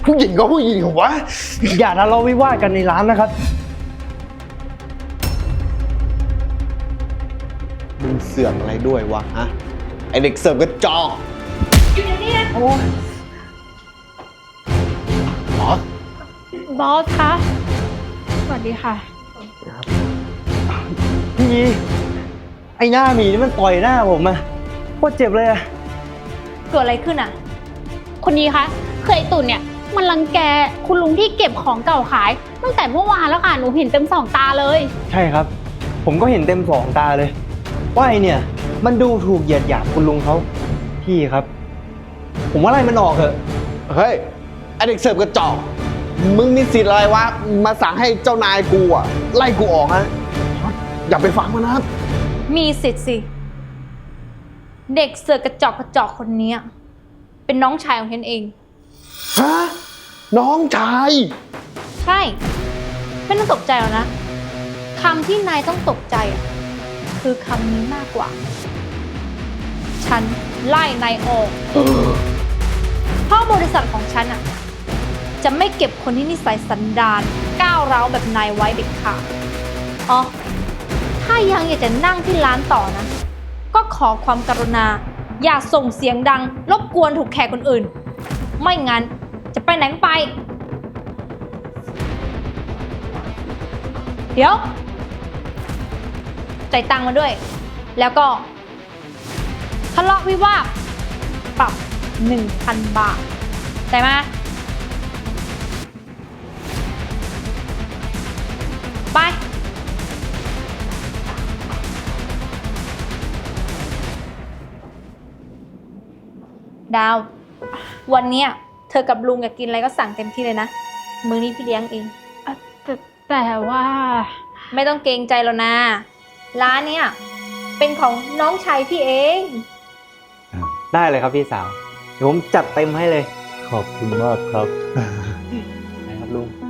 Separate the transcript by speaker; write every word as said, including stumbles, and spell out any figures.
Speaker 1: ผู้หญิงก็ผู้หญิงเหรอวะ
Speaker 2: อย่าทะเลาะวิวาทกันในร้านนะครับ
Speaker 1: มึงเสือกอะไรด้วยวะฮะไอเด็กเสิร์ฟกระจอกอยู่ในนี้นะโอ้ยหม
Speaker 3: บอสคะสวัสดีค่ะ
Speaker 2: พี่ยีไอ้หน้าหมีนี่มันต่อยหน้าผมอะโคตรเจ็บเลยอะ
Speaker 3: เกิดอะไรขึ้นอ่ะคนนี้คะเคยตุ่นเนี่ยมันรังแกคุณลุงที่เก็บของเก่าขายตั้งแต่เมื่อวานแล้วค่ะหนูเห็นเต็มสองตาเลย
Speaker 2: ใช่ครับผมก็เห็นเต็มสองตาเลยว่าไอเนี่ยมันดูถูกเหยียดหยามคุณลุงเขาพี่ครับ ผมว่าไล่มันออกเถอะ
Speaker 1: เฮ้ยไอเด็กเสิร์ฟกระจอกมึงมีสิทธิ์อะไรวะมาสั่งให้เจ้านายกูอะไล่กูออกนะอย่าไปฟังมันนะ
Speaker 3: มีสิทธิ์สิเด็กเสือกกระจอกกระจอกคนนี้เป็นน้องชายของฉันเอง
Speaker 1: ฮะน้องชาย
Speaker 3: ใช่ไม่ต้องตกใจหรอกนะคำที่นายต้องตกใจอ่ะคือคำนี้มากกว่าฉันไล่นายออกเพราะบริษัทของฉันอ่ะจะไม่เก็บคนที่นิสัยสันดานก้าวร้าวแบบนายไว้เด็ดขาดอ๋อถ้ายังอยากจะนั่งที่ร้านต่อนะก็ขอความกรุณาอย่าส่งเสียงดังรบกวนถูกแขกคนอื่นไม่งั้นจะไปไหนไปเดี๋ยวจ่ายตังค์มาด้วยแล้วก็ทะเลาะวิวาทปรับ หนึ่งพัน บาทได้ไหมไปดาววันนี้เธอกับลุงอยากกินอะไรก็สั่งเต็มที่เลยนะมื้อนี้พี่เลี้ยงเอง
Speaker 4: แต่แต่ว่า
Speaker 3: ไม่ต้องเกรงใจแล้วนะร้านเนี้ยเป็นของน้องชายพี่เอง
Speaker 2: ได้เลยครับพี่สาวเดี๋ยวผมจัดเต็มให้เลย
Speaker 1: ขอบคุณมากครับ
Speaker 2: นะครับลุง